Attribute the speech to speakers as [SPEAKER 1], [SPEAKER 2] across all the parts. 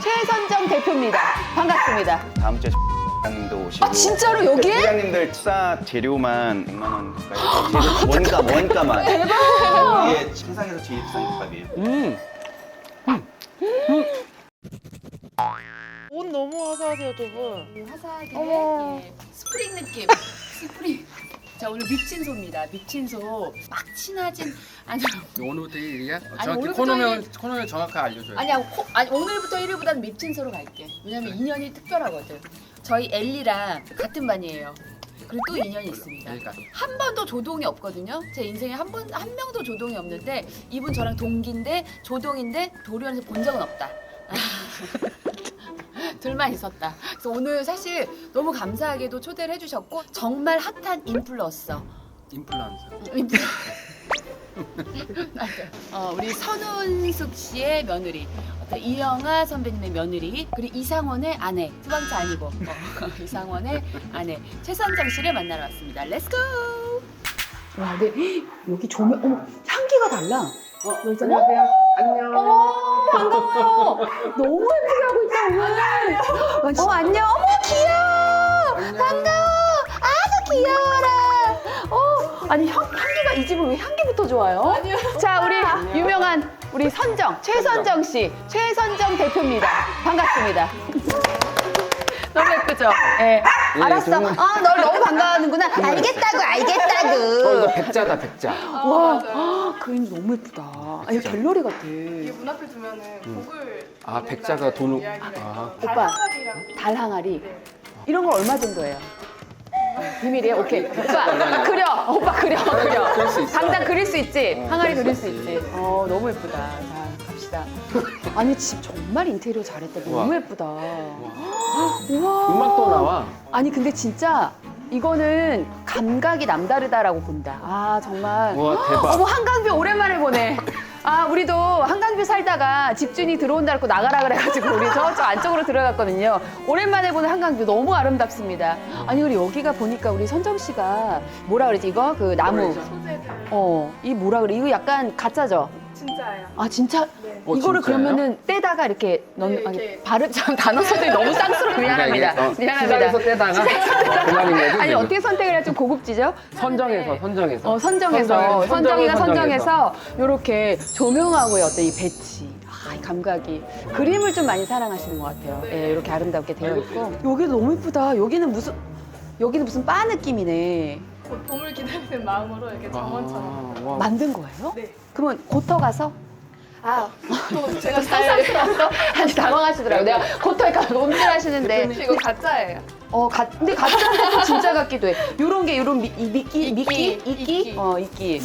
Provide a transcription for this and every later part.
[SPEAKER 1] 최선정 대표입니다. 반갑습니다.
[SPEAKER 2] 다음 주에 사장님도 오시고.
[SPEAKER 1] 아, 진짜로 여기에?
[SPEAKER 2] 사장님들 싸 재료만 100만 원 가까이. 원가만. 대박. 이게 세상에서 제일 비싼 값이에요.
[SPEAKER 3] 옷 너무 화사하세요, 두 분.
[SPEAKER 4] 화사하게
[SPEAKER 3] 어머.
[SPEAKER 4] 예. 스프링 느낌. 스프링. 자, 오늘 밉친소입니다. 밉친소. 막 친하진 않아요.
[SPEAKER 5] 오늘부터 1일이야?
[SPEAKER 4] 아니,
[SPEAKER 5] 정확히
[SPEAKER 4] 오늘부터
[SPEAKER 5] 코너명 정확하게 알려줘요.
[SPEAKER 4] 아니 오늘부터 1일보다는 밉친소로 갈게. 왜냐면 인연이 특별하거든. 저희 엘리랑 같은 반이에요. 그리고 또 인연이 있습니다.
[SPEAKER 5] 여기까지.
[SPEAKER 4] 한 번도 조동이 없거든요. 제 인생에 한 명도 조동이 없는데 이분 저랑 동기인데 조동인데 도련에서 본 적은 없다. 둘만 있었다. 그래서 오늘 사실 너무 감사하게도 초대를 해주셨고 정말 핫한 인플루언서.
[SPEAKER 5] 임플란트.
[SPEAKER 4] 우리 선훈숙 씨의 며느리, 이영아 선배님의 며느리, 그리고 이상원의 아내, 수방차 아니고 이상원의 아내 최선정 씨를 만나러 왔습니다. 렛츠고!
[SPEAKER 1] 와, 근데 여기 조명, 어머, 향기가 달라.
[SPEAKER 5] 안녕하세요. 안녕.
[SPEAKER 1] 어머, 반가워요. 너무 예쁘게 하고 있다, 오늘. 안녕. 어머, 귀여워. 반가워. 아주 귀여워라. 아니, 향기가 이 집은 왜 향기부터 좋아요? 아니요. 자, 우리 유명한 우리 선정, 최선정 씨, 최선정 대표입니다. 반갑습니다. 너무 예쁘죠? 예. 알았어.
[SPEAKER 5] 정말.
[SPEAKER 1] 널 너무 반가워하는구나. 알겠다고.
[SPEAKER 5] 이거 백자다, 백자.
[SPEAKER 1] 와, 그림 너무 예쁘다. 이거 갤러리 같아.
[SPEAKER 3] 이게 문 앞에 두면은 복을
[SPEAKER 5] 아, 백자가 돈을.
[SPEAKER 3] 이야기를
[SPEAKER 5] 아.
[SPEAKER 1] 오빠,
[SPEAKER 3] 달항아리라고.
[SPEAKER 1] 달 항아리. 이런 거 얼마 정도예요? 비밀이에요? 오케이. 오빠, 그려. 오빠, 그려.
[SPEAKER 5] 그릴 수 있어.
[SPEAKER 1] 당장 그릴 수 있지? 항아리 그릴 수
[SPEAKER 5] 있지.
[SPEAKER 1] 있지? 너무 예쁘다. 자, 갑시다. 아니, 집 정말 인테리어 잘했다. 너무
[SPEAKER 5] 우와.
[SPEAKER 1] 예쁘다. 우와.
[SPEAKER 5] 음악도 나와.
[SPEAKER 1] 아니, 근데 진짜 이거는 감각이 남다르다라고 본다. 아, 정말.
[SPEAKER 5] 우와, 대박.
[SPEAKER 1] 어머, 한강뷰 오랜만에 보네. 아, 우리도 한강뷰 살다가 집주인이 들어온다 그러고 나가라 그래가지고 우리 저쪽 안쪽으로 들어갔거든요. 오랜만에 보는 한강뷰 너무 아름답습니다. 아니, 그리고 여기가 보니까 우리 선정 씨가 뭐라 그러지? 이거? 그 나무.
[SPEAKER 3] 소재 다
[SPEAKER 1] 이 뭐라 그래? 이거 약간 가짜죠?
[SPEAKER 3] 진짜예요.
[SPEAKER 1] 아, 진짜?
[SPEAKER 3] 네.
[SPEAKER 1] 이거를
[SPEAKER 5] 진짜예요?
[SPEAKER 1] 그러면은 떼다가 이렇게 넣는,
[SPEAKER 3] 네,
[SPEAKER 1] 아니,
[SPEAKER 3] 이렇게.
[SPEAKER 1] 발음 참 단어 선택이 너무 쌍스러워. 미안합니다.
[SPEAKER 5] 시장에서 떼다가 그만인 거지.
[SPEAKER 1] 아니,
[SPEAKER 5] 지금?
[SPEAKER 1] 어떻게 선택을 해야 좀 고급지죠?
[SPEAKER 5] 선정해서.
[SPEAKER 1] 선정해서. 선정이가
[SPEAKER 5] 선정해서.
[SPEAKER 1] 선정해서 요렇게 조명하고의 어떤 이 배치. 이 감각이. 그림을 좀 많이 사랑하시는 것 같아요. 예, 이렇게 아름답게 되어 있고. 여기도 너무 예쁘다. 여기는 무슨 바 느낌이네.
[SPEAKER 3] 곧 봄을 기다리는 마음으로 이렇게 정원처럼.
[SPEAKER 5] 와.
[SPEAKER 1] 만든 거예요?
[SPEAKER 3] 네.
[SPEAKER 1] 그러면 고터 가서?
[SPEAKER 3] 또 제가
[SPEAKER 1] 상상스러워서 아주 당황하시더라고요. 내가 고터에 가서 움찔하시는데.
[SPEAKER 3] 이거 가짜예요.
[SPEAKER 1] 근데 가짜인데 또 진짜 같기도 해. 요런 미끼? 이끼? 이끼.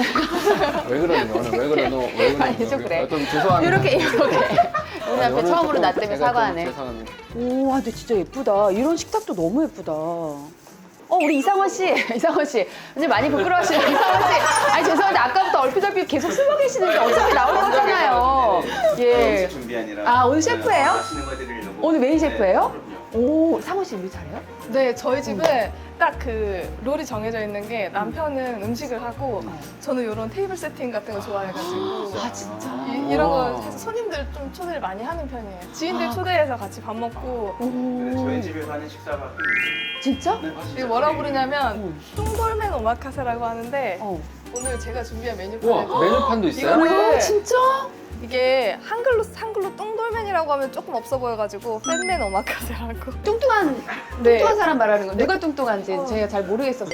[SPEAKER 5] 왜 그러니, 너는? 왜 그러노? 왜 그러니?
[SPEAKER 1] 아니, 좀 그래.
[SPEAKER 5] 좀 죄송합니다.
[SPEAKER 1] 이렇게. 우리 앞에
[SPEAKER 5] 오늘
[SPEAKER 1] 처음으로
[SPEAKER 5] 조금
[SPEAKER 1] 나 때문에
[SPEAKER 5] 제가 좀
[SPEAKER 1] 사과하네.
[SPEAKER 5] 죄송합니다.
[SPEAKER 1] 오, 근데 진짜 예쁘다. 이런 식탁도 너무 예쁘다. 우리 이상원 씨. 이상원 씨. 이제 많이 부끄러워하시는 이상원 씨. 아니, 죄송한데 아까부터 얼핏 계속 숨어 계시는데 어차피 나올 거잖아요. 예.
[SPEAKER 2] 음식 준비하느라.
[SPEAKER 1] 오늘 셰프예요?
[SPEAKER 2] 맛있는 거 드리려고.
[SPEAKER 1] 오늘 메인 셰프예요?
[SPEAKER 2] 그럼요.
[SPEAKER 1] 오, 상원 씨 요리 잘해요?
[SPEAKER 3] 네, 저희 집은 딱 그 롤이 정해져 있는 게 남편은 음식을 하고 저는 이런 테이블 세팅 같은 거 좋아해가지고
[SPEAKER 1] 아, 진짜?
[SPEAKER 3] 이런 거 사실 손님들 좀 초대를 많이 하는 편이에요. 지인들 초대해서 같이 밥 먹고
[SPEAKER 2] 네, 저희
[SPEAKER 1] 오,
[SPEAKER 2] 집에서 하는 식사가
[SPEAKER 1] 진짜?
[SPEAKER 3] 이게 뭐라고 부르냐면 뚱돌맨 오마카세라고 하는데
[SPEAKER 1] 어.
[SPEAKER 3] 오늘 제가 준비한
[SPEAKER 5] 우와,
[SPEAKER 3] 메뉴판에도
[SPEAKER 5] 메뉴판도 있어요?
[SPEAKER 3] 이거를
[SPEAKER 1] 진짜?
[SPEAKER 3] 이게 한글로 뚱돌맨이라고 하면 조금 없어 보여가지고 팬맨 오마카세라고.
[SPEAKER 1] 뚱뚱한 사람 말하는 거. 누가 뚱뚱한지 제가 잘 모르겠어서.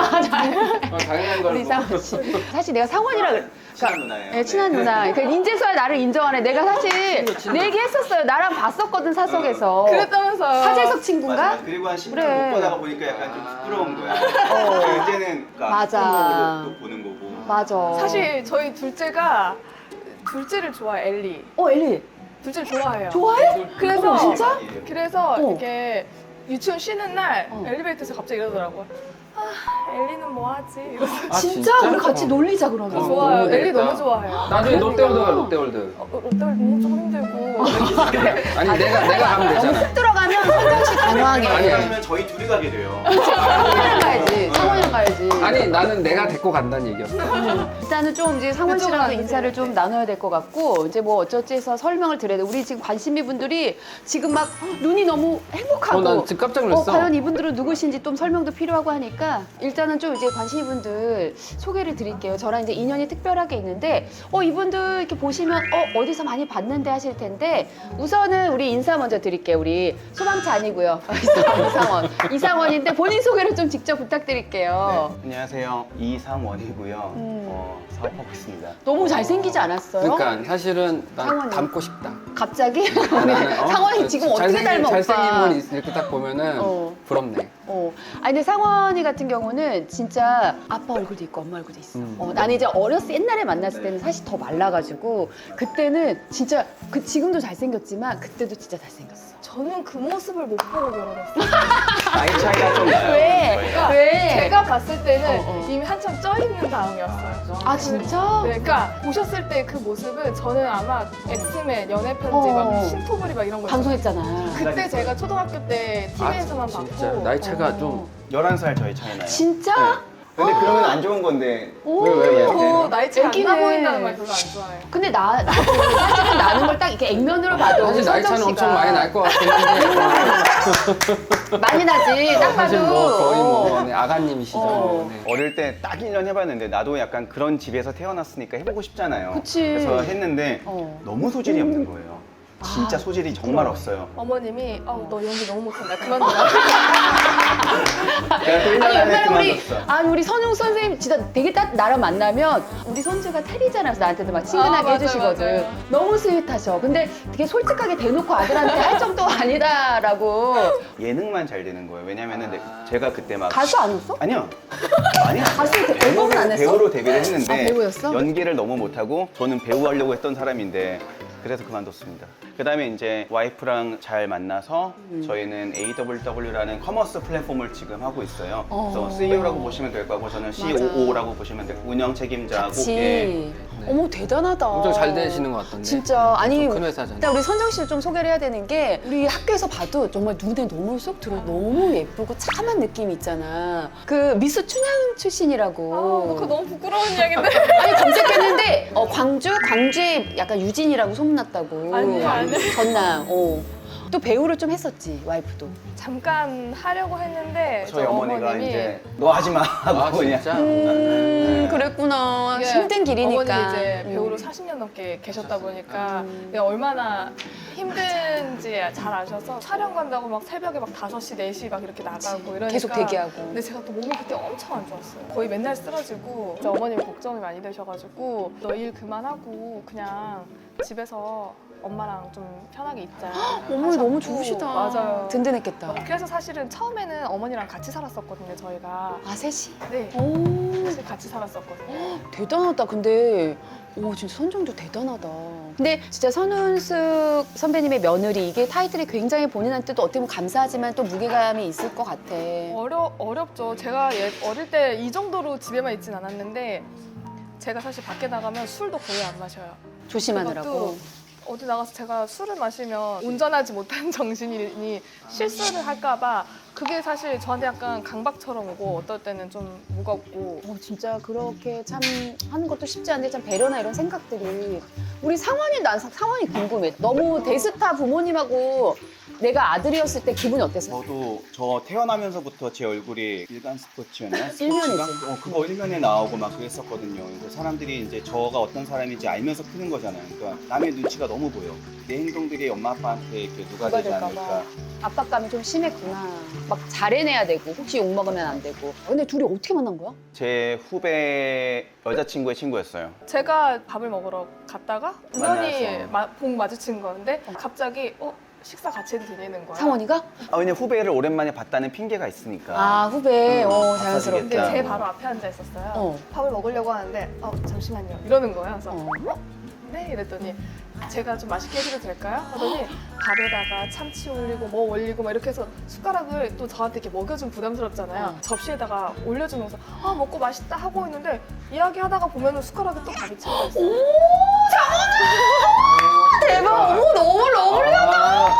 [SPEAKER 5] 당연한 걸로.
[SPEAKER 1] 우리 상원 씨. 사실 내가 상원이라
[SPEAKER 2] 친한 누나예요.
[SPEAKER 1] 네, 친한 누나. 그러니까 인재수야 나를 인정하네. 내가 사실 내 얘기했었어요. 나랑 봤었거든, 사석에서.
[SPEAKER 3] 그랬다면서요.
[SPEAKER 1] 사재석 친구인가?
[SPEAKER 2] 맞아. 그리고 한 10년
[SPEAKER 1] 그래.
[SPEAKER 2] 못 보다가 보니까 약간 좀 부끄러운 거야. 이제는 그러니까
[SPEAKER 1] 맞아.
[SPEAKER 2] 또 보는 거고.
[SPEAKER 1] 맞아.
[SPEAKER 3] 사실 저희 둘째가 둘째를 좋아해, 엘리.
[SPEAKER 1] 엘리.
[SPEAKER 3] 둘째를 좋아해요.
[SPEAKER 1] 좋아해?
[SPEAKER 3] 그래서
[SPEAKER 1] 어머, 진짜?
[SPEAKER 3] 그래서
[SPEAKER 1] 어.
[SPEAKER 3] 이렇게 유치원 쉬는 날
[SPEAKER 1] 어.
[SPEAKER 3] 엘리베이터에서 갑자기 이러더라고요. 엘리는 뭐 하지? 이러서
[SPEAKER 5] 아,
[SPEAKER 1] 진짜? 우리 같이 놀리자, 그러면.
[SPEAKER 3] 좋아요.
[SPEAKER 5] 너무
[SPEAKER 3] 엘리
[SPEAKER 5] 재밌다.
[SPEAKER 3] 너무 좋아해요.
[SPEAKER 5] 나중에 롯데월드 가, 롯데월드.
[SPEAKER 3] 롯데월드 너무 좀 힘들고.
[SPEAKER 5] 아니 내가 가면
[SPEAKER 1] 너무
[SPEAKER 5] 되잖아.
[SPEAKER 1] 훅 들어가면 선정 씨 당황해.
[SPEAKER 2] 아니면 저희 둘이 가게 돼요.
[SPEAKER 1] 상원이랑 가야지. 상원이랑 가야지.
[SPEAKER 5] 아니 나는 내가 데리고 간다는 얘기였어.
[SPEAKER 1] 일단은 좀 이제 상원
[SPEAKER 3] 그쪽으로
[SPEAKER 1] 씨랑
[SPEAKER 3] 앉으세요.
[SPEAKER 1] 인사를 좀 나눠야 될 것 같고 이제 뭐 어쩌지 해서 설명을 드려야 돼. 우리 지금 관심이 분들이 지금 막 눈이 너무 행복하고
[SPEAKER 5] 난 지금 깜짝 놀랐어.
[SPEAKER 1] 과연 이분들은 누구신지 좀 설명도 필요하고 하니까 일단은 좀 이제 관심이 분들 소개를 드릴게요. 저랑 이제 인연이 특별하게 있는데 이분들 이렇게 보시면 어디서 많이 봤는데 하실 텐데 우선은 우리 인사 먼저 드릴게요. 우리 소방차 아니고요. 이상원인데 본인 소개를 좀 직접 부탁드릴게요.
[SPEAKER 2] 안녕하세요. 이상원이고요. 사업하고 있습니다.
[SPEAKER 1] 너무 잘생기지 않았어요?
[SPEAKER 5] 그러니까 사실은 난
[SPEAKER 1] 상원이.
[SPEAKER 5] 닮고 싶다.
[SPEAKER 1] 갑자기?
[SPEAKER 5] 나는,
[SPEAKER 1] 상원이 지금 어떻게 닮아, 오빠?
[SPEAKER 5] 잘생긴 분 이렇게 딱 보면은 부럽네.
[SPEAKER 1] 아니 근데 상원이 같은 경우는 진짜 아빠 얼굴도 있고 엄마 얼굴도 있어. 나는 이제 옛날에 만났을 때는 사실 더 말라가지고 그때는 진짜 지금도 잘생겼지만 그때도 진짜 잘생겼어.
[SPEAKER 3] 저는 그 모습을 못 보고 결혼했어요.
[SPEAKER 2] 나이 차이가 좀 나요.
[SPEAKER 1] 왜?
[SPEAKER 2] 저희가.
[SPEAKER 1] 왜?
[SPEAKER 3] 제가 봤을 때는
[SPEAKER 1] 어.
[SPEAKER 3] 이미 한참 쪄 있는 다음이었어요.
[SPEAKER 1] 아 진짜?
[SPEAKER 3] 네, 그러니까 보셨을 때 그 모습은 저는 아마 엑스맨 연애 편지
[SPEAKER 1] 어.
[SPEAKER 3] 막 신토부리 막 이런 거
[SPEAKER 1] 방송했잖아.
[SPEAKER 3] 그때 제가 초등학교 때 TV에서만
[SPEAKER 5] 진짜
[SPEAKER 3] 봤고
[SPEAKER 5] 나이 차가 좀
[SPEAKER 2] 11살 저희 차이 나요.
[SPEAKER 1] 진짜?
[SPEAKER 2] 네. 근데 그러면 안 좋은 건데
[SPEAKER 1] 오.
[SPEAKER 2] 왜
[SPEAKER 3] 저
[SPEAKER 2] 얘한테?
[SPEAKER 3] 나이 차이 안
[SPEAKER 1] 애기네.
[SPEAKER 3] 나 보인다는 말 별로 안 좋아해요.
[SPEAKER 1] 근데 나도 사실은 나는 걸 딱 이렇게 액면으로 봐도
[SPEAKER 5] 사실 나이 차는
[SPEAKER 1] 선정
[SPEAKER 5] 엄청
[SPEAKER 1] 씨가
[SPEAKER 5] 많이 날 것 같긴 한데
[SPEAKER 1] 많이 나지. 딱
[SPEAKER 5] 사실
[SPEAKER 1] 봐도.
[SPEAKER 5] 뭐 거의 뭐 네, 아가님이시죠.
[SPEAKER 1] 어.
[SPEAKER 5] 네.
[SPEAKER 2] 어릴 때 딱 1년 해봤는데 나도 약간 그런 집에서 태어났으니까 해보고 싶잖아요.
[SPEAKER 1] 그치.
[SPEAKER 2] 그래서 했는데 너무 소질이 없는 거예요. 진짜 소질이 정말 없어요.
[SPEAKER 3] 어머님이 너 연기 너무 못한다. 그만둬라.
[SPEAKER 2] 내가 또 1년
[SPEAKER 1] 아니
[SPEAKER 2] 안에
[SPEAKER 1] 옛날에
[SPEAKER 2] 그만뒀어.
[SPEAKER 1] 우리 선웅 선생님 진짜 되게 딱 나랑 만나면 우리 손주가 테리잖아요. 그래서 나한테도 막 친근하게
[SPEAKER 3] 맞아요,
[SPEAKER 1] 해주시거든.
[SPEAKER 3] 맞아요.
[SPEAKER 1] 너무 스윗하셔. 근데 되게 솔직하게 대놓고 아들한테 할 정도 아니다라고.
[SPEAKER 2] 예능만 잘 되는 거예요. 왜냐면은 제가 그때 막
[SPEAKER 1] 가수 아니었어?
[SPEAKER 2] 아니요. 많이
[SPEAKER 1] 가수 앨범은 안 했어?
[SPEAKER 2] 배우로 데뷔를 했는데
[SPEAKER 1] 아, 배우였어?
[SPEAKER 2] 연기를 너무 못하고 저는 배우 하려고 했던 사람인데 그래서 그만뒀습니다. 그 다음에 이제 와이프랑 잘 만나서 저희는 AWW라는 커머스 플랫폼을 지금 하고 있어요. 그래서 CEO라고 보시면 될 거고 저는 COO라고 보시면 될 거고 운영 책임자고
[SPEAKER 1] 같이.
[SPEAKER 2] 예.
[SPEAKER 1] 어머 대단하다.
[SPEAKER 5] 엄청 잘 되시는 것 같던데.
[SPEAKER 1] 진짜 아니
[SPEAKER 5] 큰 회사잖아요.
[SPEAKER 1] 일단 우리 선정 씨를 좀 소개를 해야 되는 게 우리 학교에서 봐도 정말 눈에 너무 쏙 들어 너무 예쁘고 참한 느낌이 있잖아. 그 미스 춘향 출신이라고.
[SPEAKER 3] 그거 너무 부끄러운 이야기인데.
[SPEAKER 1] 아니 검색했는데 광주에 약간 유진이라고 소문났다고.
[SPEAKER 3] 아니에요, 아니에요.
[SPEAKER 1] 전남. 또 배우를 좀 했었지 와이프도.
[SPEAKER 3] 잠깐 하려고 했는데
[SPEAKER 2] 저희
[SPEAKER 3] 저
[SPEAKER 2] 어머니가
[SPEAKER 3] 어머님이
[SPEAKER 2] 이제 너 하지 마 하고
[SPEAKER 5] 아
[SPEAKER 2] 그냥
[SPEAKER 5] 진짜?
[SPEAKER 1] 그랬구나.
[SPEAKER 3] 이게
[SPEAKER 1] 힘든 길이니까.
[SPEAKER 3] 어머님이 이제 배우로 40년 넘게 계셨다 보니까 내가 얼마나 힘든지 잘 아셔서 촬영 간다고 막 새벽에 막 5시, 4시 막 이렇게 나가고 이러니까
[SPEAKER 1] 계속 대기하고.
[SPEAKER 3] 근데 제가 또 몸이 그때 엄청 안 좋았어요. 거의 맨날 쓰러지고 진짜 어머님이 걱정이 많이 되셔가지고 너 일 그만하고 그냥 집에서 엄마랑 좀 편하게 있자.
[SPEAKER 1] 어머니 너무
[SPEAKER 3] 하셨고.
[SPEAKER 1] 좋으시다.
[SPEAKER 3] 맞아요.
[SPEAKER 1] 든든했겠다.
[SPEAKER 3] 그래서 사실은 처음에는 어머니랑 같이 살았었거든요, 저희가.
[SPEAKER 1] 아 셋이?
[SPEAKER 3] 네.
[SPEAKER 1] 오.
[SPEAKER 3] 사실 같이 살았었거든요.
[SPEAKER 1] 대단하다. 근데 진짜 선정도 대단하다. 근데 진짜 선운숙 선배님의 며느리 이게 타이틀이 굉장히 본인한테도 어떻게 보면 감사하지만 또 무게감이 있을 것 같아.
[SPEAKER 3] 어렵죠. 제가 어릴 때 이 정도로 집에만 있진 않았는데 제가 사실 밖에 나가면 술도 거의 안 마셔요.
[SPEAKER 1] 조심하느라고.
[SPEAKER 3] 그것도 어디 나가서 제가 술을 마시면 운전하지 못하는 정신이 실수를 할까봐 그게 사실 저한테 약간 강박처럼 오고 어떨 때는 좀 무겁고
[SPEAKER 1] 진짜 그렇게 참 하는 것도 쉽지 않은데 참 배려나 이런 생각들이 우리 난 상황이 궁금해. 너무 대스타 부모님하고 내가 아들이었을 때 기분이 어땠어요?
[SPEAKER 2] 저도 저 태어나면서부터 제 얼굴이 일간 스포츠였나?
[SPEAKER 1] 일면이지.
[SPEAKER 2] 그거 일면에 나오고 막 그랬었거든요. 그래서 사람들이 이제 저가 어떤 사람인지 알면서 크는 거잖아요. 그러니까 남의 눈치가 너무 보여. 내 행동들이 엄마 아빠한테 이렇게 누가 되지
[SPEAKER 1] 될까
[SPEAKER 2] 않을까.
[SPEAKER 1] 봐. 압박감이 좀 심했구나. 막 잘해내야 되고 혹시 욕먹으면 안 되고. 근데 둘이 어떻게 만난 거야?
[SPEAKER 2] 제 후배 여자친구의 친구였어요.
[SPEAKER 3] 제가 밥을 먹으러 갔다가 우연히
[SPEAKER 2] 만나서.
[SPEAKER 3] 복 마주친 건데 갑자기 식사 같이 해도 되냐는 거야.
[SPEAKER 1] 상원이가?
[SPEAKER 2] 왜냐면 후배를 오랜만에 봤다는 핑계가 있으니까.
[SPEAKER 1] 아 후배.
[SPEAKER 2] 응,
[SPEAKER 1] 자연스럽게.
[SPEAKER 3] 근데
[SPEAKER 2] 바빠지겠다.
[SPEAKER 3] 제 바로 앞에 앉아 있었어요.
[SPEAKER 1] 어.
[SPEAKER 3] 밥을 먹으려고 하는데 잠시만요. 이러는 거예요. 그래서
[SPEAKER 1] 어.
[SPEAKER 3] 네 이랬더니 제가 좀 맛있게 해드려도 될까요? 하더니 밥에다가 참치 올리고 뭐 올리고 막 이렇게 해서 숟가락을 또 저한테 이렇게 먹여주면 부담스럽잖아요. 접시에다가 올려주면서 먹고 맛있다 하고 있는데 이야기하다가 보면 숟가락에 또 밥이 채워져 있어요.
[SPEAKER 1] 대박. 어머, 너무 러블리하다.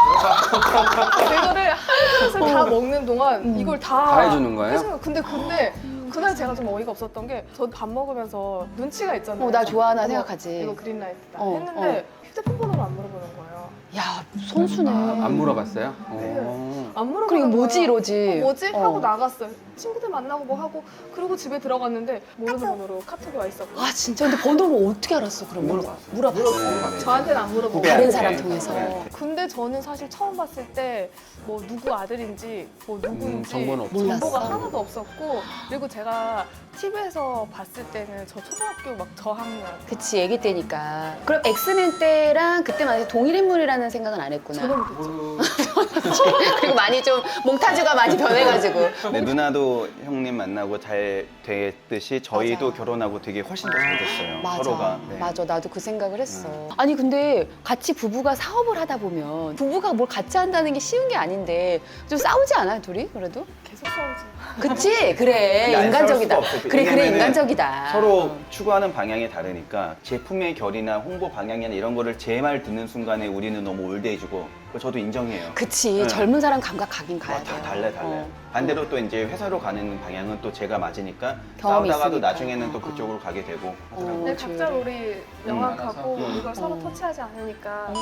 [SPEAKER 3] 이거를 한 그릇을 다 먹는 동안 이걸
[SPEAKER 5] 다 해주는 거예요?
[SPEAKER 3] 근데 그날 제가 좀 어이가 없었던 게 저 밥 먹으면서 눈치가 있잖아요.
[SPEAKER 1] 나 좋아하나
[SPEAKER 3] 어머,
[SPEAKER 1] 생각하지.
[SPEAKER 3] 이거 그린라이트다
[SPEAKER 1] 어,
[SPEAKER 3] 했는데 휴대폰 번호를 안 물어보는 거예요.
[SPEAKER 1] 야, 선수네.
[SPEAKER 5] 안 물어봤어요?
[SPEAKER 3] 안 물어보는
[SPEAKER 1] 그리고 뭐지
[SPEAKER 3] 거예요.
[SPEAKER 1] 이러지.
[SPEAKER 3] 뭐지? 하고 나갔어요. 친구들 만나고 뭐 하고 그리고 집에 들어갔는데 모르는 번호로 카톡이 와 있었고
[SPEAKER 1] 아, 진짜. 근데 번호를 어떻게 알았어, 그러면? 물어봤어.
[SPEAKER 3] 저한테는 안 물어보고
[SPEAKER 1] 다른
[SPEAKER 2] 네.
[SPEAKER 1] 사람 통해서.
[SPEAKER 2] 네.
[SPEAKER 3] 근데 저는 사실 처음 봤을 때 뭐 누구 아들인지 뭐 누구인지
[SPEAKER 5] 정보는 없죠.
[SPEAKER 3] 정보가
[SPEAKER 1] 몰랐어.
[SPEAKER 3] 하나도 없었고 그리고 제가 TV에서 봤을 때는 저 초등학교 막 저학년
[SPEAKER 1] 그치, 아기 때니까. 그럼 엑스맨 때랑 그때만 해도 동일 인물이라는 생각은 안 했구나.
[SPEAKER 3] 저는
[SPEAKER 1] 그리고 많이 좀 몽타주가 많이 변해가지고.
[SPEAKER 2] 네, 누나도 형님 만나고 잘 됐듯이 저희도
[SPEAKER 1] 맞아.
[SPEAKER 2] 결혼하고 되게 훨씬 더 잘 됐어요.
[SPEAKER 1] 맞아.
[SPEAKER 2] 서로가. 네.
[SPEAKER 1] 맞아. 나도 그 생각을 했어. 아니, 근데 같이 부부가 사업을 하다 보면 부부가 뭘 같이 한다는 게 쉬운 게 아닌데 좀 싸우지 않아요, 둘이? 그래도?
[SPEAKER 3] 계속 싸우지.
[SPEAKER 1] 그치? 그래.
[SPEAKER 2] 근데 안
[SPEAKER 1] 인간적이다.
[SPEAKER 2] 싸울 수가 없어요.
[SPEAKER 1] 그래,
[SPEAKER 2] 왜냐면은
[SPEAKER 1] 인간적이다.
[SPEAKER 2] 서로 추구하는 방향이 다르니까 제품의 결이나 홍보 방향이나 이런 거를 제 말 듣는 순간에 우리는 너무 올드해지고 그거 저도 인정해요.
[SPEAKER 1] 그치.
[SPEAKER 2] 네.
[SPEAKER 1] 젊은 사람 감각 가긴 가야
[SPEAKER 2] 다
[SPEAKER 1] 돼요.
[SPEAKER 2] 달라요.
[SPEAKER 1] 어.
[SPEAKER 2] 반대로 또 이제 회사로 가는 방향은 또 제가 맞으니까
[SPEAKER 1] 경험이
[SPEAKER 2] 싸우다가도
[SPEAKER 1] 있으니까.
[SPEAKER 2] 나중에는 또 그쪽으로 가게 되고 하더라고요.
[SPEAKER 3] 근데 각자 롤이 명확하고
[SPEAKER 2] 알아서.
[SPEAKER 3] 이걸 서로 터치하지 않으니까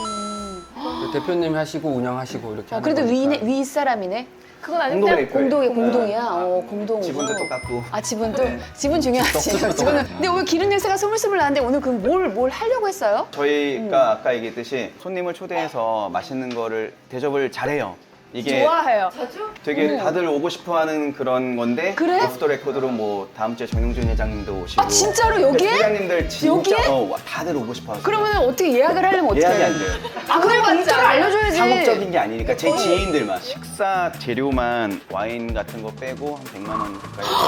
[SPEAKER 5] 대표님 하시고 운영하시고 이렇게 하는
[SPEAKER 1] 그래도
[SPEAKER 5] 거니까.
[SPEAKER 1] 윗사람이네.
[SPEAKER 3] 그건 아닌데
[SPEAKER 1] 공동이야.
[SPEAKER 2] 아,
[SPEAKER 1] 공동으로.
[SPEAKER 2] 지분도 똑같고.
[SPEAKER 1] 아, 지분도?
[SPEAKER 2] 네.
[SPEAKER 1] 지분 중요하지. 지분은. 근데 오늘 기름 냄새가 스물스물 나는데 오늘 그럼 뭘 하려고 했어요?
[SPEAKER 2] 저희가 아까 얘기했듯이 손님을 초대해서 맛있는 거를 대접을 잘해요. 이게
[SPEAKER 3] 좋아해요.
[SPEAKER 2] 되게 다들 오고 싶어하는 그런 건데
[SPEAKER 1] 그래?
[SPEAKER 2] 오프 더 레코드로 뭐 다음 주에 정영준 회장님도 오시고
[SPEAKER 1] 아, 진짜로 여기에?
[SPEAKER 2] 회장님들 진짜
[SPEAKER 1] 여기에?
[SPEAKER 2] 다들 오고 싶어하세요.
[SPEAKER 1] 그러면 어떻게 예약을 하려면 어떻게
[SPEAKER 2] 예약이
[SPEAKER 1] 해야
[SPEAKER 2] 안
[SPEAKER 1] 돼?
[SPEAKER 2] 돼요.
[SPEAKER 1] 아, 그럼 공짜로 알려줘야지.
[SPEAKER 2] 상업적인 게 아니니까 제 지인들만 식사 재료만 와인 같은 거 빼고 한 100만 원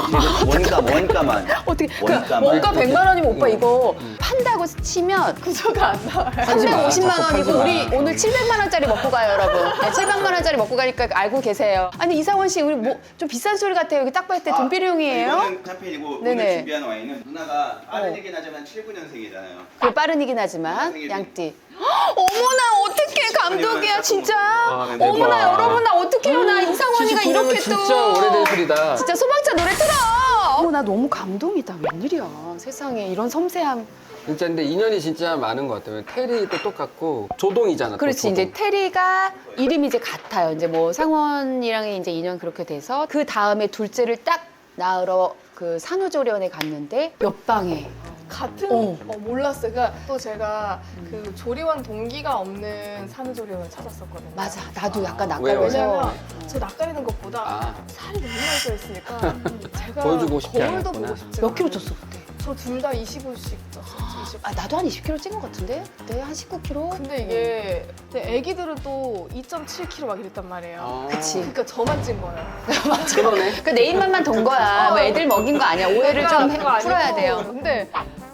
[SPEAKER 2] 가까이 원가만
[SPEAKER 1] 어떻게?
[SPEAKER 2] 원가만.
[SPEAKER 1] 원가 100만 원이면 오빠 이거 판다고 치면
[SPEAKER 3] 구조가 안 나와요.
[SPEAKER 1] 350만 원이고
[SPEAKER 2] 마.
[SPEAKER 1] 우리 오늘 700만 원짜리 먹고 가요, 여러분. 네, 700만 원짜리 먹고 가니까 알고 계세요. 아니, 이상원 씨, 우리 뭐 좀 비싼 소리 같아요. 여기 딱 봤을 때 돈비룡이에요.
[SPEAKER 2] 이거는 샴페인이고
[SPEAKER 1] 네네.
[SPEAKER 2] 오늘 준비한 와인은 누나가 빠른 얘기는 하지만 79년생이잖아요.
[SPEAKER 1] 그 빠른이긴 하지만
[SPEAKER 2] 생일이.
[SPEAKER 1] 양띠. 어머나, 어떡해, 감독이야, 진짜.
[SPEAKER 2] 아, 네,
[SPEAKER 1] 어머나,
[SPEAKER 2] 대박.
[SPEAKER 1] 여러분, 나 어떡해요. 나 이상원이가
[SPEAKER 5] 79년은
[SPEAKER 1] 이렇게 또.
[SPEAKER 5] 진짜 오래된 소리다.
[SPEAKER 1] 진짜 소방차 노래 틀어. 어머, 나 너무 감동이다. 웬일이야. 세상에 이런 섬세함.
[SPEAKER 5] 진짜 근데 인연이 진짜 많은 것 같아요. 테리도 똑같고 조동이잖아. 또
[SPEAKER 1] 그렇지.
[SPEAKER 5] 조동.
[SPEAKER 1] 이제 테리가 이름이 이제 같아요. 이제 뭐 상원이랑 이제 인연 그렇게 돼서 그 다음에 둘째를 딱 낳으러 그 산후조리원에 갔는데 옆방에
[SPEAKER 3] 같은
[SPEAKER 1] 어.
[SPEAKER 3] 몰랐어요. 그러니까 또 제가 그 조리원 동기가 없는 산후조리원을 찾았었거든요.
[SPEAKER 1] 맞아. 나도 약간
[SPEAKER 5] 왜요?
[SPEAKER 1] 낯가려서
[SPEAKER 3] 왜냐면 저 낯가리는 것보다
[SPEAKER 5] 아.
[SPEAKER 3] 살이 너무 많이 쪄 있으니까 제가
[SPEAKER 5] 보여주고 싶지
[SPEAKER 3] 거울도
[SPEAKER 5] 않았구나.
[SPEAKER 3] 보고 싶지
[SPEAKER 1] 몇 킬로
[SPEAKER 3] 않아요.
[SPEAKER 1] 쪘어 그때?
[SPEAKER 3] 저 둘 다 25씩 쪘어요. 20.
[SPEAKER 1] 아, 나도 한 20kg 찐 것 같은데? 그때 한 19kg?
[SPEAKER 3] 근데 이게 근데 애기들은 또 2.7kg 막 이랬단 말이에요.
[SPEAKER 5] 아.
[SPEAKER 1] 그치.
[SPEAKER 3] 그러니까 저만 찐 거예요.
[SPEAKER 5] 그러네.
[SPEAKER 1] 그 내 입맛만 돈 거야. 뭐 애들 먹인 거 아니야. 오해를 좀
[SPEAKER 3] 그거 아니고.
[SPEAKER 1] 풀어야 돼요.
[SPEAKER 3] 근데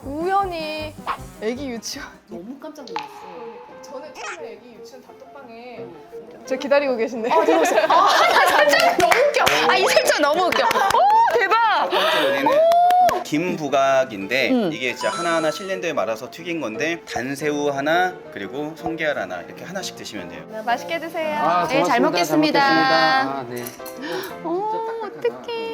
[SPEAKER 3] 우연히 애기 유치원
[SPEAKER 1] 너무 깜짝 놀랐어.
[SPEAKER 3] 저는 처음에 애기 유치원 단톡방에 저 기다리고 계신데
[SPEAKER 1] 들어오세요. 나 설정 너무 웃겨. 아, 이 설정 너무 웃겨. 오, 대박.
[SPEAKER 2] 첫 번째 요리는 김부각인데 이게 진짜 하나하나 실린더에 말아서 튀긴 건데 단새우 하나 그리고 성게알 하나 이렇게 하나씩 드시면 돼요.
[SPEAKER 3] 맛있게 드세요.
[SPEAKER 5] 아,
[SPEAKER 1] 네, 잘 먹겠습니다.
[SPEAKER 5] 아, 네.
[SPEAKER 1] 어, 어떡해.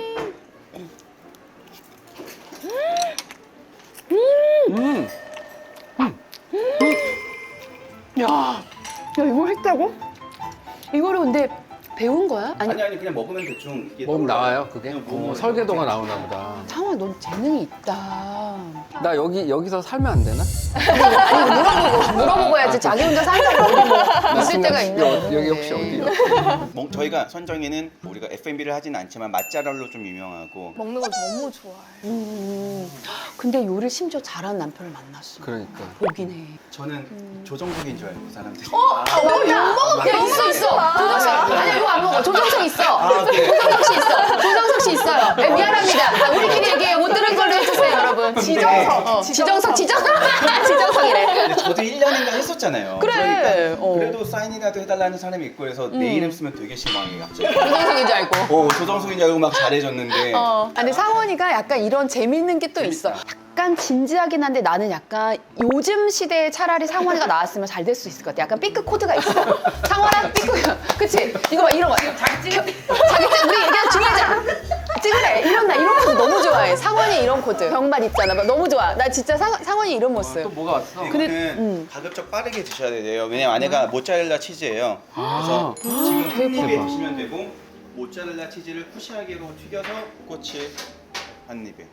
[SPEAKER 1] 야, 이걸 했다고? 이거를 근데 배운 거야? 아니,
[SPEAKER 2] 아니 그냥 먹으면 대충 이게
[SPEAKER 5] 먹으면
[SPEAKER 2] 떠올라요.
[SPEAKER 5] 나와요, 그게?
[SPEAKER 2] 그냥 먹으면
[SPEAKER 5] 설계도가 나오나 보다.
[SPEAKER 1] 상아, 넌 재능이 있다.
[SPEAKER 5] 나 여기서 살면 안 되나?
[SPEAKER 1] 아니, 물어보고 해야지. 자기 혼자 산다고 어디 뭐 있을 때가 있나?
[SPEAKER 5] 여기 혹시 어디요?
[SPEAKER 2] 저희가 선정이는 우리가 F&B를 하진 않지만 맛잘알로 좀 유명하고
[SPEAKER 3] 먹는 걸 너무 좋아해.
[SPEAKER 1] 근데 요리를 심지어 잘하는 남편을 만났어.
[SPEAKER 5] 그러니까.
[SPEAKER 1] 보긴 해.
[SPEAKER 2] 저는 조정석인 줄 알고 사람들이
[SPEAKER 1] 야, 있어. 조정석. 아니, 이거 안 먹어. 조정석 있어.
[SPEAKER 2] 그래.
[SPEAKER 1] 조정석 씨 있어. 조정석 씨 있어요. 네, 미안합니다. 아, 우리끼리 얘기해. 못 들은 걸로 해주세요, 여러분. 지정석. 지정석이래.
[SPEAKER 2] 근데 저도 1년인가 했었잖아요.
[SPEAKER 1] 그래.
[SPEAKER 2] 그러니까
[SPEAKER 1] 어.
[SPEAKER 2] 그래도 사인이라도 해달라는 사람이 있고 그래서 내 이름 쓰면 되게 실망해 갑자기.
[SPEAKER 1] 조정석인 줄 알고.
[SPEAKER 2] 조정석인 줄 알고 막 잘해줬는데
[SPEAKER 1] 근데 상원이가 약간 이런 재밌는 게 또 있어. 약간 약간 진지하긴 한데 나는 약간 요즘 시대에 차라리 상원이가 나왔으면 잘 될 수 있을 것 같아. 약간 삐끗 코드가 있어. 상원아 삐끗. 그치? 이거 봐 이런 거. 자기 찍 우리 얘기가 중요하잖아. 찍으래. 이런 코드 너무 좋아해. 상원이 이런 코드. 병맛 있잖아. 너무 좋아. 나 진짜 상원이 이런 모습.
[SPEAKER 5] 또 뭐가 왔어?
[SPEAKER 2] 이거는 가급적 빠르게 드셔야 돼요. 왜냐면 안에가 모짜렐라 치즈예요. 그래서 지금 한 입에 드시면 되고 모짜렐라 치즈를 쿠시하게로 튀겨서 꼬치 한 입에.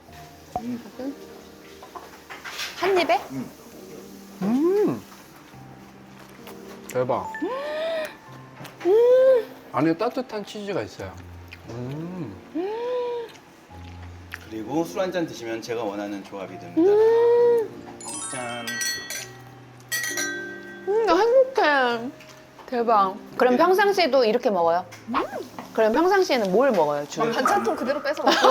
[SPEAKER 1] 한 입에?
[SPEAKER 5] 대박. 안에 따뜻한 치즈가 있어요.
[SPEAKER 2] 그리고 술 한 잔 드시면 제가 원하는 조합이 됩니다. 짠.
[SPEAKER 1] 나 행복해. 대박. 그럼 평상시에도 이렇게 먹어요? 그럼 평상시에는 뭘 먹어요, 주로?
[SPEAKER 3] 반찬통 그대로 뺏어 먹고.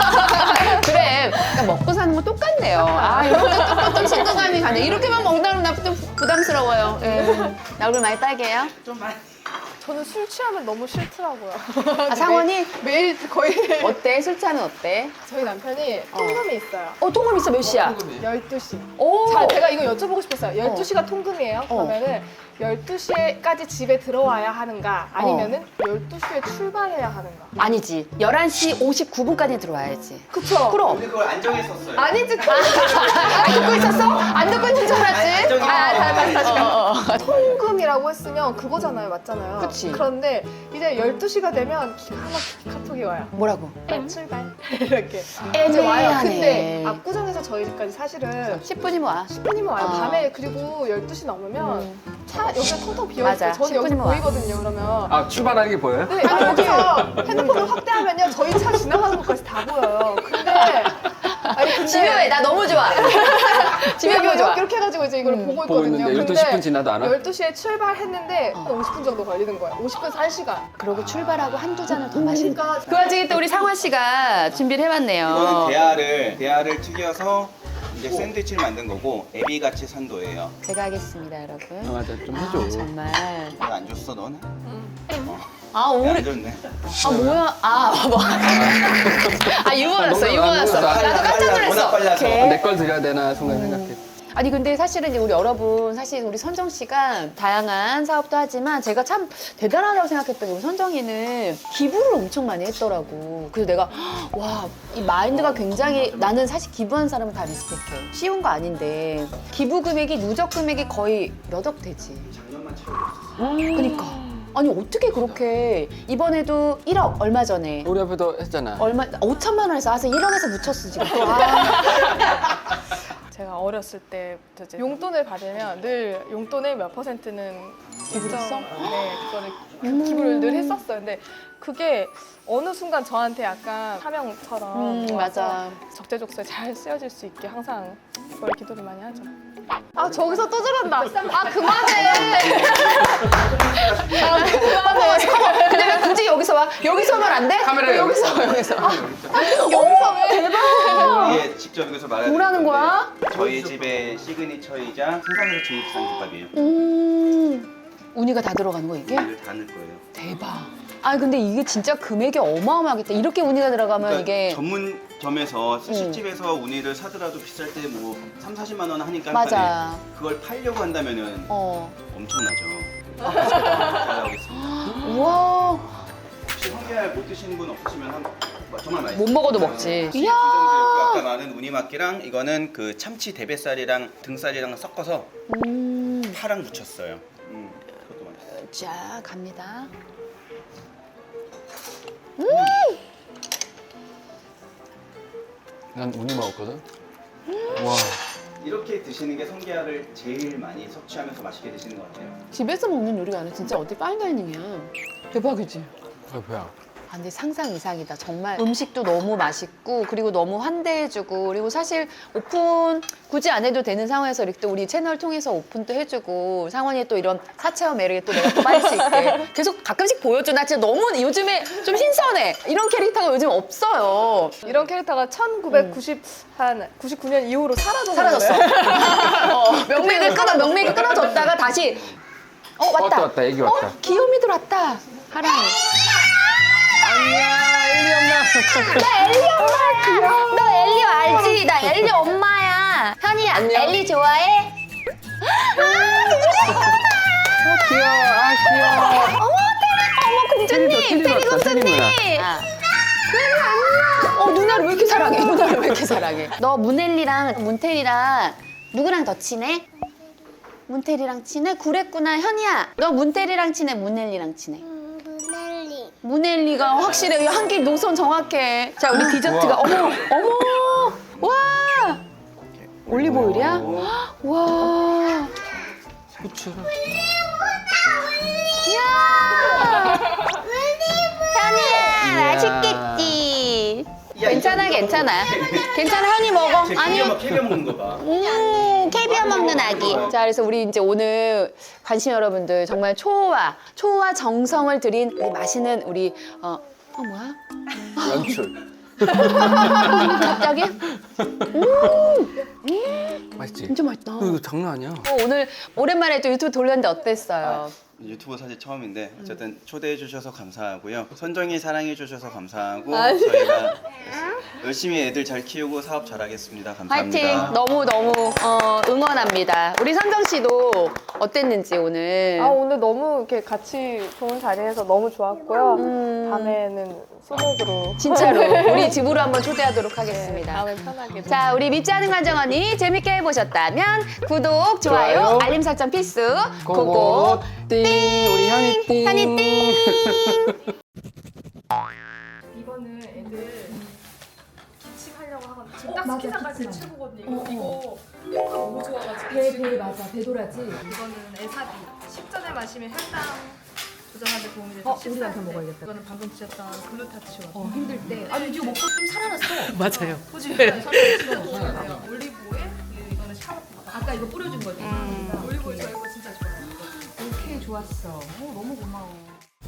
[SPEAKER 1] 그래. 그러니까 먹고 사는 건 똑같네요. 아, 이렇게 조금 친근감이 가네. 이렇게만 먹다 보면 나 좀 부담스러워요. 예. 나 얼굴 많이 빨개요?
[SPEAKER 2] 좀 많이.
[SPEAKER 3] 저는 술 취하면 너무 싫더라고요.
[SPEAKER 1] 아, 상원이?
[SPEAKER 3] 매일 거의
[SPEAKER 1] 어때? 술 취하면 어때?
[SPEAKER 3] 저희 남편이 통금이 있어요.
[SPEAKER 1] 통금 있어, 몇 시야?
[SPEAKER 3] 12시.
[SPEAKER 1] 오!
[SPEAKER 3] 자, 제가 이거 여쭤보고 싶었어요. 12시가 통금이에요? 그러면은 12시에까지 집에 들어와야 하는가? 아니면은 12시에 출발해야 하는가?
[SPEAKER 1] 아니지. 11시 59분까지 들어와야지.
[SPEAKER 3] 그쵸?
[SPEAKER 1] 그럼.
[SPEAKER 2] 근데 그걸 안 정했었어요.
[SPEAKER 3] 아니지,
[SPEAKER 1] 듣고 있었어? 안 듣고 있는 줄 알았지?
[SPEAKER 3] 다시. 통금이라고 했으면 그거잖아요. 맞잖아요.
[SPEAKER 1] 그치.
[SPEAKER 3] 그런데 이제 12시가 되면 기가 막히게 카톡이 와요.
[SPEAKER 1] 뭐라고?
[SPEAKER 3] 출발. 이렇게.
[SPEAKER 1] 애매하네.
[SPEAKER 3] 이제 와요. 근데 압구정에서 저희 집까지 사실은
[SPEAKER 1] 10분이면 와.
[SPEAKER 3] 10분이면 와요.
[SPEAKER 1] 아.
[SPEAKER 3] 밤에 그리고 12시 넘으면 차 여기가 텅텅 비어있어요.
[SPEAKER 1] 맞아.
[SPEAKER 3] 저는 여기
[SPEAKER 1] 10분이면 와.
[SPEAKER 3] 보이거든요. 그러면
[SPEAKER 5] 아, 출발하는 게 보여요?
[SPEAKER 3] 네, 여기서 핸드폰을 확대하면요. 저희 차 지나가는 것까지 다 보여요. 근데
[SPEAKER 1] 집요해. 나 너무 좋아. 집요해
[SPEAKER 3] 이렇게,
[SPEAKER 1] 좋아.
[SPEAKER 3] 이렇게 해가지고 이제 이걸 보고
[SPEAKER 5] 보고
[SPEAKER 3] 있거든요.
[SPEAKER 5] 있는데 12시 10분 지나도 안 와?
[SPEAKER 3] 12시에 출발했는데 한 50분 정도 걸리는 거예요. 50분에서 1시간.
[SPEAKER 1] 그러고 출발하고 한두 잔을 더 마시는
[SPEAKER 3] 그러니까
[SPEAKER 1] 그 와중에 또 우리 상화 씨가 준비를 해봤네요.
[SPEAKER 2] 이거는 대하를 튀겨서 이제 샌드위치를 만든 거고 에비같이 산도예요.
[SPEAKER 1] 제가 하겠습니다, 여러분.
[SPEAKER 5] 아, 맞아. 좀 해줘.
[SPEAKER 1] 정말.
[SPEAKER 2] 이거 안 줬어 너는?
[SPEAKER 1] 아,
[SPEAKER 2] 안
[SPEAKER 1] 오래.
[SPEAKER 2] 줬네.
[SPEAKER 1] 아, 뭐야. 아, 뭐. 아, 유머였어, 유머였어. 나도 깜짝
[SPEAKER 2] 워낙
[SPEAKER 1] 놀랐어.
[SPEAKER 2] 빨라서.
[SPEAKER 1] 오케이.
[SPEAKER 5] 내 걸 드려야 되나 순간 생각해.
[SPEAKER 1] 아니 근데 사실은 이제 우리 여러분 사실 우리 선정 씨가 다양한 사업도 하지만 제가 참 대단하다고 생각했던 게 우리 선정이는 기부를 엄청 많이 했더라고. 그래서 내가 와 이 마인드가 굉장히 나는 사실 기부한 사람은 다 리스펙해. 쉬운 거 아닌데 기부 금액이 누적 금액이 거의 몇 억 되지.
[SPEAKER 2] 작년만 채우고
[SPEAKER 1] 그러니까 아니 어떻게 그렇게 이번에도 1억 얼마 전에
[SPEAKER 5] 우리 앞에도 했잖아.
[SPEAKER 1] 얼마 5천만 원에서 와서 1억에서 묻혔어 지금.
[SPEAKER 3] 제가 어렸을 때부터 이제 용돈을 받으면 늘 용돈의 몇 %는
[SPEAKER 1] 기부했어?
[SPEAKER 3] 네, 그거를 기부를 늘 했었어요. 근데 그게 어느 순간 저한테 약간 사명처럼 와서
[SPEAKER 1] 맞아.
[SPEAKER 3] 적재적소에 잘 쓰여질 수 있게 항상 그걸 기도를 많이 하죠. 아 저기서 또 저런다. 아 그만해. 아 그만해.
[SPEAKER 1] 근데 왜 굳이 여기서 와? 여기서 하면 안 돼?
[SPEAKER 5] 카메라
[SPEAKER 1] 여기서 여기서.
[SPEAKER 3] 여기서 왜?
[SPEAKER 2] 이게 직접 여기서 말하는
[SPEAKER 1] 뭐라는 거야?
[SPEAKER 2] 저희 집의 시그니처이자 세상에서 제일 비싼 김밥이에요.
[SPEAKER 1] 우니가 다 들어가는 거 이게?
[SPEAKER 2] 이걸 다 넣을 거예요.
[SPEAKER 1] 대박. 아 근데 이게 진짜 금액이 어마어마하겠다. 이렇게 우니가 들어가면
[SPEAKER 2] 그러니까
[SPEAKER 1] 이게
[SPEAKER 2] 전문점에서 스시집에서 우니를 사더라도 비쌀 때 뭐 3, 40만 원 하니까
[SPEAKER 1] 맞아.
[SPEAKER 2] 한 판에 그걸 팔려고 한다면은
[SPEAKER 1] 어.
[SPEAKER 2] 엄청나죠. 잘 나오겠습니다.
[SPEAKER 1] 우와.
[SPEAKER 2] 혹시 성게알 못 드시는 분 없으시면 정말 맛있어요.
[SPEAKER 1] 못 먹어도 먹지.
[SPEAKER 2] 이야.
[SPEAKER 1] 이야.
[SPEAKER 2] 아까 말한 우니막기랑 이거는 그 참치 대뱃살이랑 등살이랑 섞어서 파랑 붙였어요. 그것도 맛있어요.
[SPEAKER 1] 자 갑니다.
[SPEAKER 5] 난 우니 먹었거든. 와.
[SPEAKER 2] 이렇게 드시는 게 성게알을 제일 많이 섭취하면서 맛있게 드시는 것 같아요.
[SPEAKER 1] 집에서 먹는 요리가 아니라 진짜 어디 파인다이닝이야. 대박이지.
[SPEAKER 5] 아, 뭐야.
[SPEAKER 1] 아, 근데 상상 이상이다. 정말 음식도 너무 맛있고 그리고 너무 환대해주고 그리고 사실 오픈 굳이 안 해도 되는 상황에서 이렇게 또 우리 채널 통해서 오픈도 해주고 상원이의 또 이런 사체와 매력에 또 내가 또 빠질 수 있게 계속 가끔씩 보여줘. 나 진짜 너무 요즘에 좀 신선해. 이런 캐릭터가 요즘 없어요.
[SPEAKER 3] 이런 캐릭터가 1999년 이후로
[SPEAKER 1] 사라졌어. 명맥이 끊어졌다가 다시 왔다.
[SPEAKER 5] 왔다, 애기 왔다.
[SPEAKER 1] 귀요미들 왔다. 하랑이. 안녕.
[SPEAKER 5] 엘리 엄마.
[SPEAKER 1] 나 엘리 엄마야. 너 엘리 알지? 나 엘리 엄마야. 현이야,
[SPEAKER 5] 안녕.
[SPEAKER 1] 엘리 좋아해?
[SPEAKER 5] 귀여워. 아, 귀여워.
[SPEAKER 1] 어머 공주님,
[SPEAKER 5] 테리
[SPEAKER 1] 테리
[SPEAKER 5] 왔다, 테리
[SPEAKER 1] 공주님.
[SPEAKER 5] 누나.
[SPEAKER 1] 누나를 왜 이렇게 사랑해? 누나를 왜 이렇게 사랑해? 너 문엘리랑 문테리랑 누구랑 더 친해? 문테리랑 친해? 그랬구나. 현이야, 너 문테리랑 친해? 문엘리랑 친해?
[SPEAKER 6] 문el리.
[SPEAKER 1] 문엘리가 확실해. 한길 노선 정확해. 자, 우리 디저트가 어머, 와, 올리브 오일이야? 와,
[SPEAKER 5] 후추를.
[SPEAKER 1] 이야, 현이야, 맛있겠지? 괜찮아, 괜찮아. 현이 먹어. 아니,
[SPEAKER 2] 캐비어 먹는 거 봐.
[SPEAKER 1] 캐비어 먹는 아기. 자, 그래서 우리 이제 오늘 관심 여러분들 정말 초호화 정성을 들인 우리 맛있는 우리 뭐야?
[SPEAKER 5] 연출.
[SPEAKER 1] 갑자기?
[SPEAKER 5] 맛있지?
[SPEAKER 1] 진짜 맛있다.
[SPEAKER 5] 이거 장난 아니야.
[SPEAKER 1] 오늘 오랜만에 또 유튜브 돌렸는데 어땠어요?
[SPEAKER 2] 유튜브 사실 처음인데 어쨌든 초대해 주셔서 감사하고요. 선정이 사랑해 주셔서 감사하고
[SPEAKER 1] 아,
[SPEAKER 2] 저희가 열심히 애들 잘 키우고 사업 잘하겠습니다. 감사합니다.
[SPEAKER 1] 화이팅! 너무 응원합니다. 우리 선정 씨도 어땠는지 오늘.
[SPEAKER 3] 오늘 너무 이렇게 같이 좋은 자리에서 너무 좋았고요. 다음에는 소맥으로
[SPEAKER 1] 진짜로 우리 집으로 한번 초대하도록 하겠습니다.
[SPEAKER 3] 다음에 편하게.
[SPEAKER 1] 자, 우리 밉지 않은 관정 언니 재밌게 해보셨다면 구독, 좋아요,
[SPEAKER 5] 좋아요.
[SPEAKER 1] 알림 설정 필수.
[SPEAKER 5] 고고 띵. 우리 현이 띵.
[SPEAKER 1] 현이 띵.
[SPEAKER 3] 이거는 애들 기침하려고 하거든요. 지금 딱 스키장까지 최고거든요. 이거 효과 너무 좋아가지고.
[SPEAKER 1] 배 맞아, 배도라지.
[SPEAKER 3] 이거는 에사비. 식전에 마시면 혈당 조절하는 데 도움이 돼서 우리한테 먹어야겠다. 이거는 방금 드셨던 글루타치오.
[SPEAKER 1] 힘들 때. 아니, 이거 먹고 좀 살아났어.
[SPEAKER 4] 맞아요.
[SPEAKER 3] 소주 설탕 올리브 오일, 이거는 샤워.
[SPEAKER 1] 아까 이거 뿌려준 거지.
[SPEAKER 3] 올리브 오일 저 이거 진짜 좋아요.
[SPEAKER 1] 오케이, 좋았어. 너무 고마워.